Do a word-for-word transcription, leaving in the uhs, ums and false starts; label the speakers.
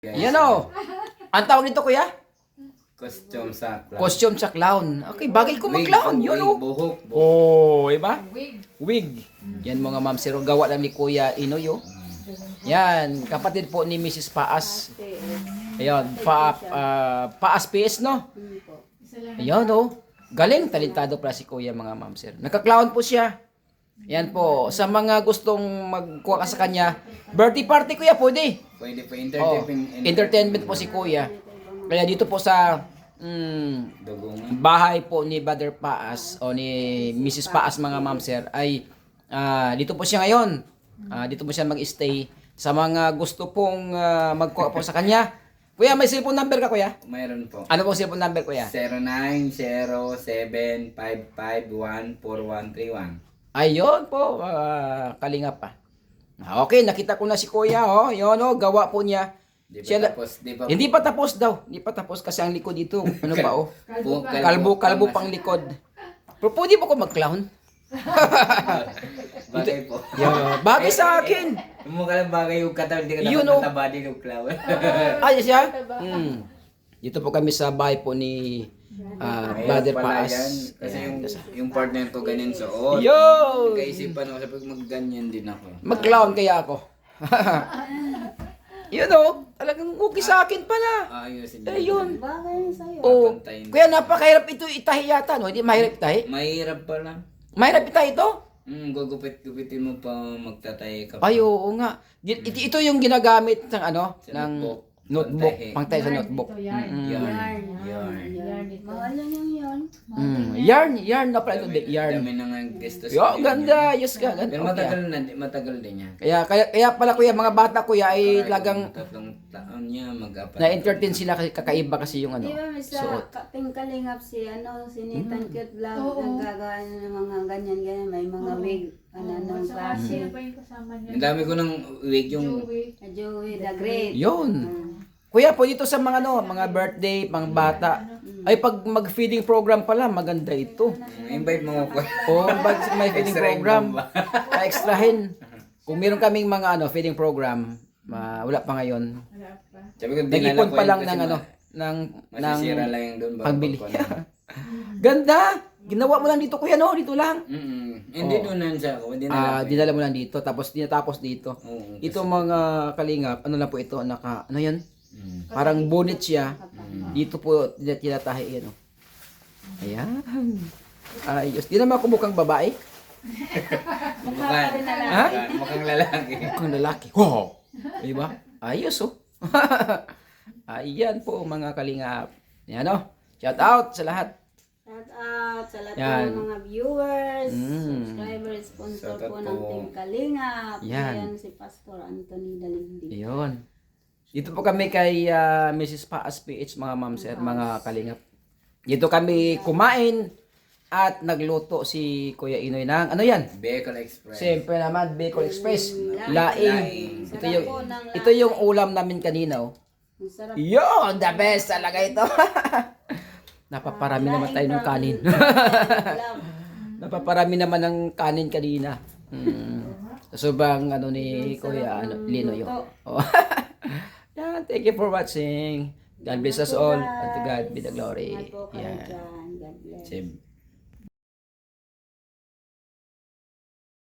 Speaker 1: Yan o. Ang tawag nito, kuya?
Speaker 2: Costume sa clown.
Speaker 1: Costume sa clown. Okay, bagay ko mag-clown. Yun o.
Speaker 2: Buhok.
Speaker 1: Oh, iba?
Speaker 3: Wig.
Speaker 1: Wig. Yan mga ma'am sir. Gawa lang ni Kuya Inoy o. Yan. Kapatid po ni Missus Paas. Ayan. Pa, uh, Paas P S, no? Ayan o. Galing. Talentado pala si Kuya mga ma'am sir. Nagka-clown po siya. Yan po. Sa mga gustong magkuha ka sa kanya, birthday party kuya, pwede.
Speaker 2: Pwede po
Speaker 1: Oh,
Speaker 2: entertainment.
Speaker 1: entertainment po si kuya. Kaya dito po sa mm,
Speaker 2: Dugungan.
Speaker 1: bahay po ni Brother Paas o ni Missus Paas mga ma'am sir ay ah, dito po siya ngayon. Ah, dito po siya mag-stay. Sa mga gusto pong ah, magkuha po sa kanya. Kuya, may cellphone number ka kuya?
Speaker 2: Mayroon po.
Speaker 1: Ano po cellphone number kuya?
Speaker 2: zero nine zero seven five five one four one three one.
Speaker 1: Ayun po, uh, kalingap pa. Okay, nakita ko na si kuya, oh. Yun, oh, gawa po niya.
Speaker 2: Di pa
Speaker 1: Siya-
Speaker 2: tapos, di pa
Speaker 1: Hindi pa tapos daw. Hindi pa tapos kasi ang likod dito. Ano pa, oh?
Speaker 2: po.
Speaker 1: Kalbo, kalbo pang likod. Pero pwede po ko mag-clown.
Speaker 2: Bagay po.
Speaker 1: Yeah, bagay sa akin.
Speaker 2: Mukha lang bagay yung katawan, di ka
Speaker 1: Yun,
Speaker 2: dapat
Speaker 1: oh.
Speaker 2: mataba din yung clown.
Speaker 1: Ay, siya? Hmm. Dito po kami sa bahay po ni ah, Brother
Speaker 2: Ayos pala
Speaker 1: Paas.
Speaker 2: yan. Kasi
Speaker 1: Ayan.
Speaker 2: yung, yung partner ko ganyan suot.
Speaker 1: Yo!
Speaker 2: Kaisipan ako, sabi ko mag-ganyan din ako.
Speaker 1: Mag-clown kaya ako. Yun, oh. Talagang okay sa akin pala.
Speaker 2: Ayusin
Speaker 1: Ayun.
Speaker 4: Bagay sa'yo.
Speaker 1: Oh,
Speaker 2: Papantayin.
Speaker 1: kuya, napakahirap ito itahi yata, no? Hindi mahirap itahi?
Speaker 2: Mahirap pala.
Speaker 1: Mahirap itahi ito?
Speaker 2: Hmm, gugupit-gupitin mo pa magtatay ka pa.
Speaker 1: Ay, oo nga. Gi- Ito, ito yung ginagamit ng ano,
Speaker 2: Sa
Speaker 1: ng
Speaker 2: notebook.
Speaker 1: notebook,
Speaker 2: Pantahi.
Speaker 1: pang tayo sa
Speaker 3: Yarn,
Speaker 1: notebook.
Speaker 3: ito, yarn.
Speaker 1: Mm.
Speaker 2: Yarn.
Speaker 4: Yarn.
Speaker 2: Yarn.
Speaker 3: Yarn ito.
Speaker 4: Mga ano yung yun?
Speaker 1: Mm. Yarn, yarn na pala ito,
Speaker 2: Dami,
Speaker 1: yarn.
Speaker 2: dami na nga gusto
Speaker 1: Yo, ganda, yes ka, ganda.
Speaker 2: Pero
Speaker 1: Okay,
Speaker 2: matagal
Speaker 1: ah.
Speaker 2: na, di- matagal din yan.
Speaker 1: Kaya, kaya, kaya pala kuya, mga bata kuya ay talagang
Speaker 2: Tatlong taon niya, mag-apat.
Speaker 1: na-entertain sila kasi kakaiba kasi yung ano,
Speaker 4: Di ba may sa
Speaker 1: suot.
Speaker 4: Kaping Kalingap si ano, si Nathan Cute Vlog,
Speaker 3: Oo.
Speaker 4: naggagawa ng mga ganyan-ganyan, may mga
Speaker 3: Oo.
Speaker 4: wig, ano,
Speaker 3: Oh,
Speaker 4: anong
Speaker 3: saka
Speaker 4: klase.
Speaker 3: sino pa yung kasama niya?
Speaker 2: Ang dami ko ng wig yung...
Speaker 3: Joey.
Speaker 4: Na Joey the Great.
Speaker 1: Yun.
Speaker 4: Mm.
Speaker 1: Kuya, po dito sa mga ano, mga birthday, pang bata, ay pag mag-feeding program pala, maganda ito.
Speaker 2: Mm, invite mo ko.
Speaker 1: O, pag may feeding
Speaker 2: Extra
Speaker 1: program,
Speaker 2: income ba?
Speaker 1: extrahin. Kung meron kaming mga ano, feeding program, ma- wala pa ngayon.
Speaker 3: Wala pa.
Speaker 2: Sabi ko, dinala
Speaker 1: Nag-ipon
Speaker 2: ko
Speaker 1: pa
Speaker 2: yun
Speaker 1: lang
Speaker 2: kasi
Speaker 1: ng
Speaker 2: ma-
Speaker 1: ano, ng ng
Speaker 2: Masisira lang yung doon. bago
Speaker 1: pangbili.
Speaker 2: pagkuhan.
Speaker 1: Ganda! Ginawa mo lang dito kuya no, dito lang.
Speaker 2: Mm-mm. Hindi
Speaker 1: Oo.
Speaker 2: doon nan siya ako. Hindi
Speaker 1: Ah,
Speaker 2: na
Speaker 1: dinala mo lang dito tapos dinatapos dito.
Speaker 2: Oo.
Speaker 1: Ito mga kalingap, ano lang po ito, naka ano 'yan?
Speaker 2: Mm.
Speaker 1: Parang bonnet siya. Dito po tina- tinatahi yan oh. Ayan. Ayos. Di naman ako mukhang babae.
Speaker 2: Mukhang,
Speaker 1: Ha?
Speaker 2: mukhang lalaki.
Speaker 1: Mukhang lalaki. Wow. Di ba? Ayos oh. Ayan po mga kalingap. Yan oh. Shout out sa lahat.
Speaker 4: Shout out sa lahat
Speaker 1: Yan.
Speaker 4: ng mga viewers,
Speaker 1: Mm.
Speaker 4: subscribers, sponsor
Speaker 2: Shout out
Speaker 4: po ng
Speaker 2: po.
Speaker 4: Team Kalingap.
Speaker 1: Yan.
Speaker 4: Ayan si Pastor Anthony Dalindi.
Speaker 1: Ayun. Dito po kami kay ah, Missus Paas P H mga ma'am sir, mga kalingap. Dito kami kumain at nagluto si Kuya Inoy ng ano yan?
Speaker 2: Bicol Express.
Speaker 1: Siyempre naman Bicol Express.
Speaker 4: Mm,
Speaker 1: Laing.
Speaker 2: laing.
Speaker 1: Ito
Speaker 4: Sarap
Speaker 1: yung
Speaker 4: po ng
Speaker 1: ito yung ulam namin kanina oh.
Speaker 4: Ang sarap.
Speaker 1: Yun, the best talaga ito. Napaparami naman tayo ng kanin. Napaparami naman ng kanin kanina. Mm. Sobrang ano ni Kuya ano, Lino yun. Oh. Yan, thank you for watching. God bless us all. And to God be the glory.
Speaker 4: Ingat po kayo
Speaker 1: Yan.
Speaker 4: dyan. God bless.
Speaker 2: Sib.